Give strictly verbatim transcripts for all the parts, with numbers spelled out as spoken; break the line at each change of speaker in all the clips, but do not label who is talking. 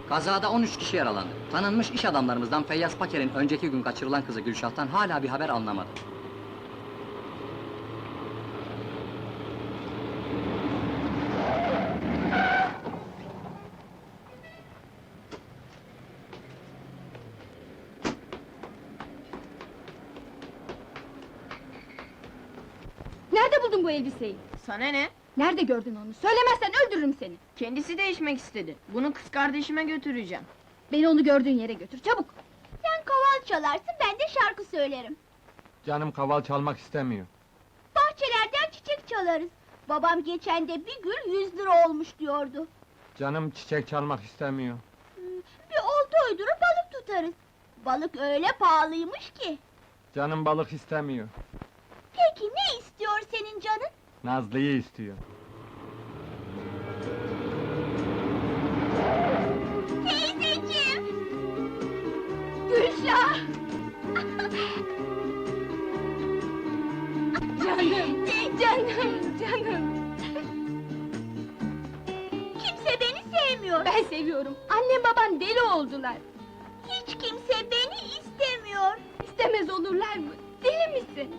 Kazada on üç kişi yaralandı. Tanınmış iş adamlarımızdan Feyyaz Paker'in önceki gün kaçırılan kızı Gülşah'tan hala bir haber alınamadı.
Nerede buldun bu elbiseyi?
Sana ne?
Nerede gördün onu? Söylemezsen öldürürüm seni!
Kendisi değişmek istedi. Bunu kız kardeşime götüreceğim.
Beni onu gördüğün yere götür, çabuk!
Sen kaval çalarsın, ben de şarkı söylerim.
Canım kaval çalmak istemiyor.
Bahçelerden çiçek çalarız. Babam geçen de bir gül yüz lira olmuş diyordu.
Canım çiçek çalmak istemiyor.
Bir olta uydurup balık tutarız. Balık öyle pahalıymış ki.
Canım balık istemiyor.
Peki ne istiyor senin canın?
Nazlı'yı istiyor.
Teyzeciğim!
Gülşah! Canım, canım, canım!
Kimse beni sevmiyor.
Ben seviyorum, annem baban deli oldular!
Hiç kimse beni istemiyor.
İstemez olurlar mı? Deli misin?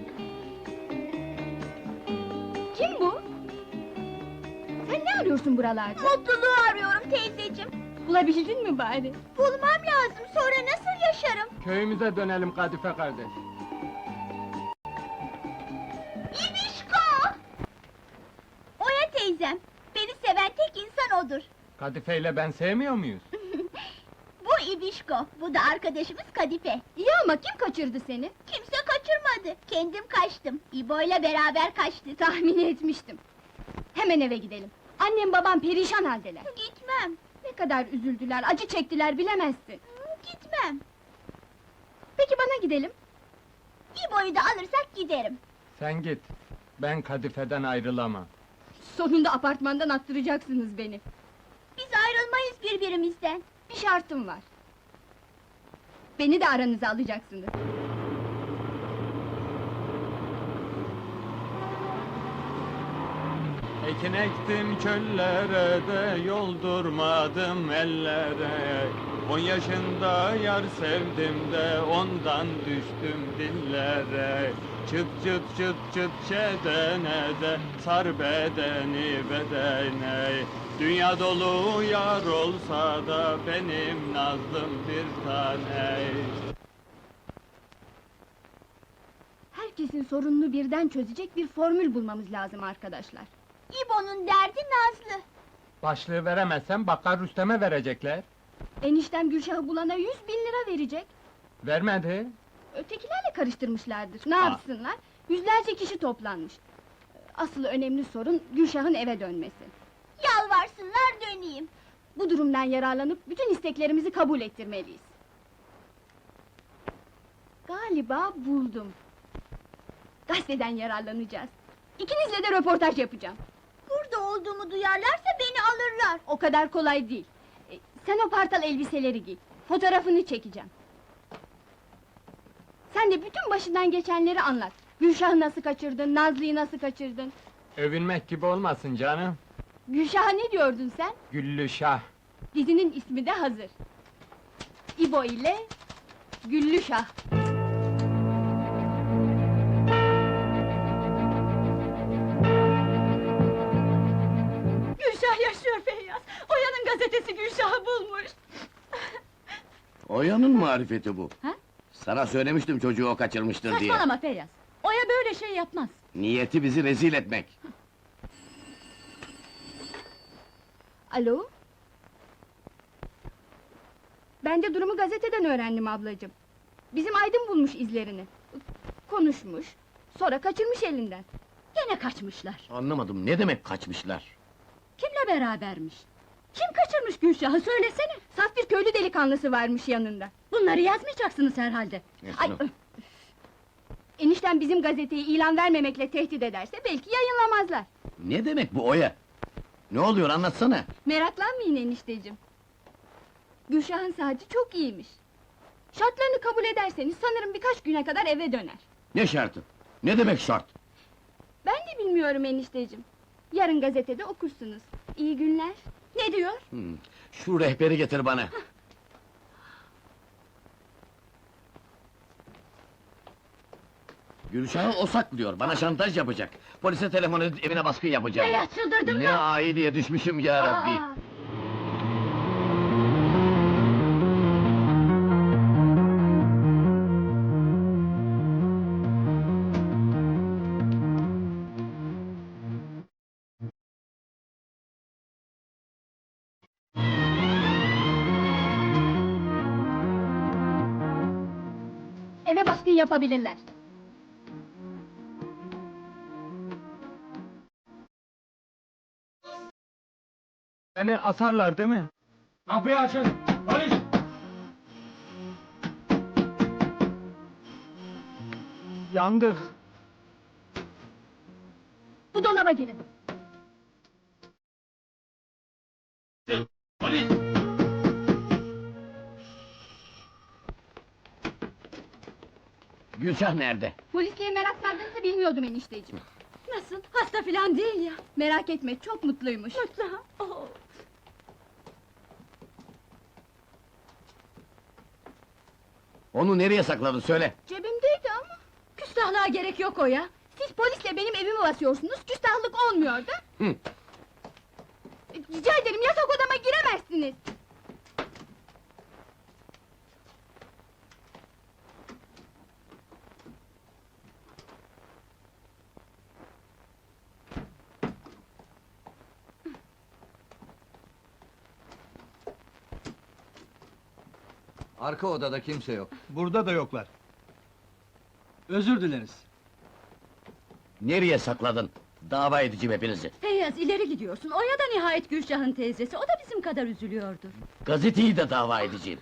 Kim bu? Sen ne arıyorsun buralarda?
Mutluluğu arıyorum teyzeciğim.
Bulabildin mi bari?
Bulmam lazım, sonra nasıl yaşarım?
Köyümüze dönelim Kadife kardeş.
İbişko! Oya teyzem, beni seven tek insan odur.
Kadife ile ben sevmiyor muyuz?
Bu İbişko, bu da arkadaşımız Kadife.
İyi ama kim kaçırdı seni?
Kimse kaçırmadı, kendim kaçtım. İbo'yla beraber kaçtık.
Tahmin etmiştim. Hemen eve gidelim. Annem babam perişan haldeler.
Gitmem,
Ne kadar üzüldüler, acı çektiler bilemezsin.
gitmem.
Peki bana gidelim.
İbo'yu da alırsak giderim.
Sen git. Ben Kadife'den ayrılamam.
Sonunda apartmandan attıracaksınız beni.
Biz ayrılmayız birbirimizden.
Bir şartım var. Beni de aranıza alacaksınız.
Ekin ektim çöllere de yoldurmadım ellere. On yaşında yar sevdim de ondan düştüm dillere. Çıt çıt çıt çıt çedene de sar bedeni bedene. Dünya dolu yar olsa da benim nazlım bir tane.
Herkesin sorununu birden çözecek bir formül bulmamız lazım arkadaşlar.
İbo'nun derdi Nazlı.
Başlığı veremezsem Bakkar Rüstem'e verecekler.
Eniştem Gülşah'ı bulana yüz bin lira verecek.
Vermedi.
Ötekilerle karıştırmışlardır. Ne
Aa.
yapsınlar? Yüzlerce kişi toplanmış. Asıl önemli sorun Gülşah'ın eve dönmesi.
Yalvarsınlar döneyim.
Bu durumdan yararlanıp bütün isteklerimizi kabul ettirmeliyiz. Galiba buldum. Gazeteden yararlanacağız. İkinizle de röportaj yapacağım.
Burada olduğumu duyarlarsa beni alırlar.
O kadar kolay değil. E, sen o partal elbiseleri giy. Fotoğrafını çekeceğim. Sen de bütün başından geçenleri anlat. Gülşah'ı nasıl kaçırdın, Nazlı'yı nasıl kaçırdın?
Övünmek gibi olmasın canım.
Gülşah'a ne diyordun sen?
Güllü Şah.
Dizinin ismi de hazır. İbo ile Güllü Şah. Gülşah yaşıyor Feyyaz! Oya'nın gazetesi Gülşah'ı bulmuş!
Oya'nın marifeti bu.
Ha?
Sana söylemiştim çocuğu o kaçırmıştır diye.
Saçmalama Feyyaz! Oya böyle şey yapmaz!
Niyeti bizi rezil etmek.
Alo? Ben de durumu gazeteden öğrendim ablacığım. Bizim Aydın bulmuş izlerini. Konuşmuş, sonra kaçırmış elinden. Gene kaçmışlar.
Anlamadım, ne demek kaçmışlar?
Kimle berabermiş? Kim kaçırmış Gülşah'ı söylesene! Saf bir köylü delikanlısı varmış yanında. Bunları yazmayacaksınız herhalde. Ay, öf! Enişten bizim gazeteyi ilan vermemekle tehdit ederse belki yayınlamazlar.
Ne demek bu Oya? Ne oluyor anlatsana!
Meraklanmayın enişteciğim. Gülşah'ın saati çok iyiymiş. Şartlarını kabul ederseniz sanırım birkaç güne kadar eve döner.
Ne şartı? Ne demek şart?
Ben de bilmiyorum enişteciğim. Yarın gazetede okursunuz. İyi günler. Ne diyor?
Hmm, Şu rehberi getir bana. Gülşah'ı o saklıyor, bana şantaj yapacak. Polise telefon edip evine baskın yapacağım.
Feyyaz çıldırdın
Ne
mı?
aileye düşmüşüm ya Rabbi!
Aa! Eve baskın yapabilirler.
Beni asarlar değil mi? Kapıyı açın! Polis! Yandık!
Bu dolaba girin.
Polis!
Gülşah nerede?
Polisliğe merak sardığınızı bilmiyordum enişteciğim. Nasıl? Hasta filan değil ya. Merak etme, çok mutluymuş. Mutlu ha? Oh.
Onu nereye sakladın söyle!
Cebimdeydi ama. Küstahlığa gerek yok o ya. Siz polisle benim evimi basıyorsunuz, küstahlık olmuyor da.
Hı.
Rica ederim, yatak odama giremezsiniz.
Arka odada kimse yok.
Burada da yoklar.
Özür dileriz.
Nereye sakladın? Dava edeceğim hepinizi!
Feyyaz, ileri gidiyorsun. Oya da nihayet Gülşah'ın teyzesi, o da bizim kadar üzülüyordur.
Gazeteyi de dava edeceğim!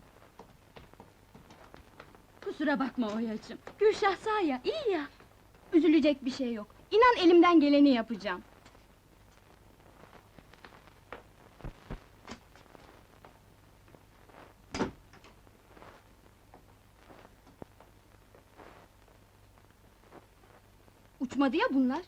Kusura bakma Oya'cığım. Gülşah sağ ya, iyi ya. Üzülecek bir şey yok. İnan elimden geleni yapacağım. Uçmadı ya bunlar.